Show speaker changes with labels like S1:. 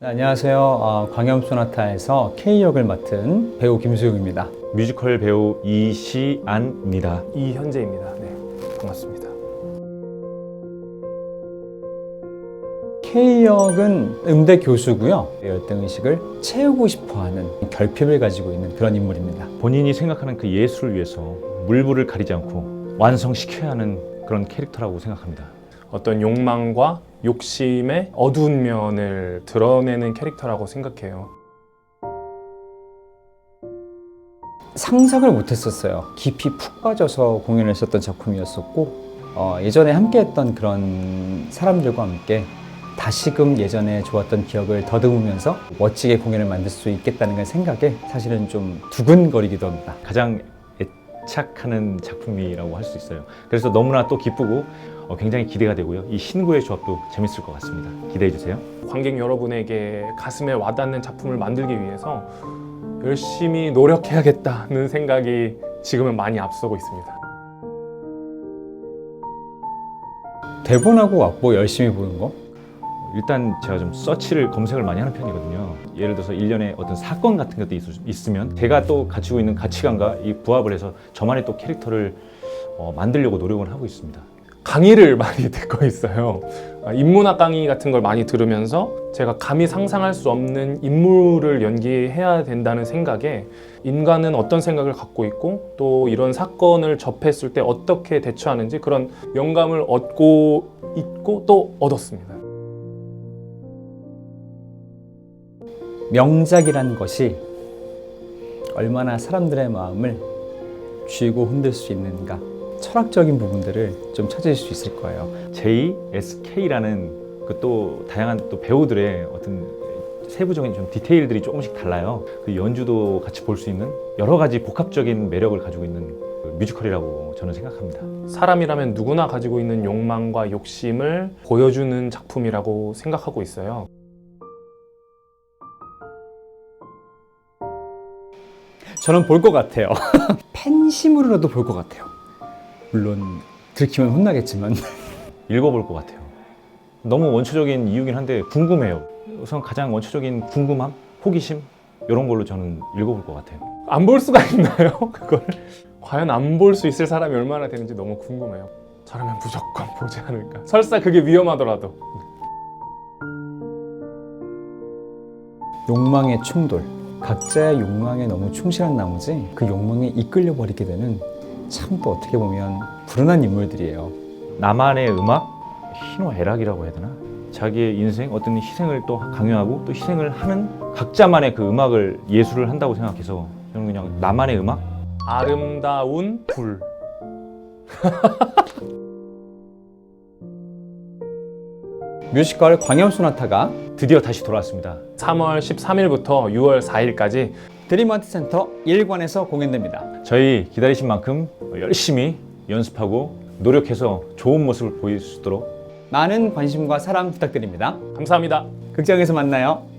S1: 안녕하세요. 광염소나타에서 K역을 맡은 배우 김수용입니다.
S2: 뮤지컬 배우 이시안입니다.
S3: 이현재입니다. 네, 반갑습니다.
S1: K역은 음대 교수고요. 열등의식을 채우고 싶어하는 결핍을 가지고 있는 그런 인물입니다.
S2: 본인이 생각하는 그 예술을 위해서 물불을 가리지 않고 완성시켜야 하는 그런 캐릭터라고 생각합니다.
S3: 어떤 욕망과 욕심의 어두운 면을 드러내는 캐릭터라고 생각해요.
S1: 상상을 못했었어요. 깊이 푹 빠져서 공연을 했었던 작품이었었고 예전에 함께했던 그런 사람들과 함께 다시금 예전에 좋았던 기억을 더듬으면서 멋지게 공연을 만들 수 있겠다는 걸 생각에 사실은 좀 두근거리기도 합니다.
S2: 가장 애착하는 작품이라고 할 수 있어요. 그래서 너무나 또 기쁘고 굉장히 기대가 되고요. 이 신구의 조합도 재밌을 것 같습니다. 기대해 주세요.
S3: 관객 여러분에게 가슴에 와닿는 작품을 만들기 위해서 열심히 노력해야겠다는 생각이 지금은 많이 앞서고 있습니다.
S1: 대본하고 악보 열심히 보는 거?
S2: 일단 제가 좀 서치를 검색을 많이 하는 편이거든요. 예를 들어서 일련의 어떤 사건 같은 것도 있으면 제가 또 가지고 있는 가치관과 이 부합을 해서 저만의 또 캐릭터를 만들려고 노력을 하고 있습니다.
S3: 강의를 많이 듣고 있어요. 인문학 강의 같은 걸 많이 들으면서 제가 감히 상상할 수 없는 인물을 연기해야 된다는 생각에 인간은 어떤 생각을 갖고 있고 또 이런 사건을 접했을 때 어떻게 대처하는지 그런 영감을 얻고 있고 또 얻었습니다.
S1: 명작이라는 것이 얼마나 사람들의 마음을 쥐고 흔들 수 있는가, 철학적인 부분들을 좀 찾으실 수 있을 거예요.
S2: JSK라는 그 또 다양한 또 배우들의 어떤 세부적인 좀 디테일들이 조금씩 달라요. 그 연주도 같이 볼 수 있는 여러 가지 복합적인 매력을 가지고 있는 그 뮤지컬이라고 저는 생각합니다.
S3: 사람이라면 누구나 가지고 있는 욕망과 욕심을 보여주는 작품이라고 생각하고 있어요.
S1: 저는 볼 것 같아요. 팬심으로라도 볼 것 같아요. 물론 들키면 혼나겠지만
S2: 읽어볼 것 같아요. 너무 원초적인 이유긴 한데 궁금해요. 우선 가장 원초적인 궁금함, 호기심 이런 걸로 저는 읽어볼 것 같아요.
S3: 안 볼 수가 있나요? 그걸 과연 안 볼 수 있을 사람이 얼마나 되는지 너무 궁금해요. 저라면 무조건 보지 않을까. 설사 그게 위험하더라도.
S1: 욕망의 충돌, 각자의 욕망에 너무 충실한 나머지 그 욕망에 이끌려 버리게 되는 참 또 어떻게 보면 불운한 인물들이에요. 나만의
S2: 음악, 희노애락이라고 해야 되나? 자기의 인생, 어떤 희생을 또 강요하고 또 희생을 하는 각자만의 그 음악을 예술을 한다고 생각해서 저는 그냥 나만의 음악?
S3: 아름다운 불.
S1: 뮤지컬 광염소나타가
S2: 드디어 다시 돌아왔습니다.
S3: 3월 13일부터 6월 4일까지
S1: 드림아트센터 1관에서 공연됩니다.
S2: 저희 기다리신 만큼 열심히 연습하고 노력해서 좋은 모습을 보일 수 있도록
S1: 많은 관심과 사랑 부탁드립니다.
S3: 감사합니다.
S1: 극장에서 만나요.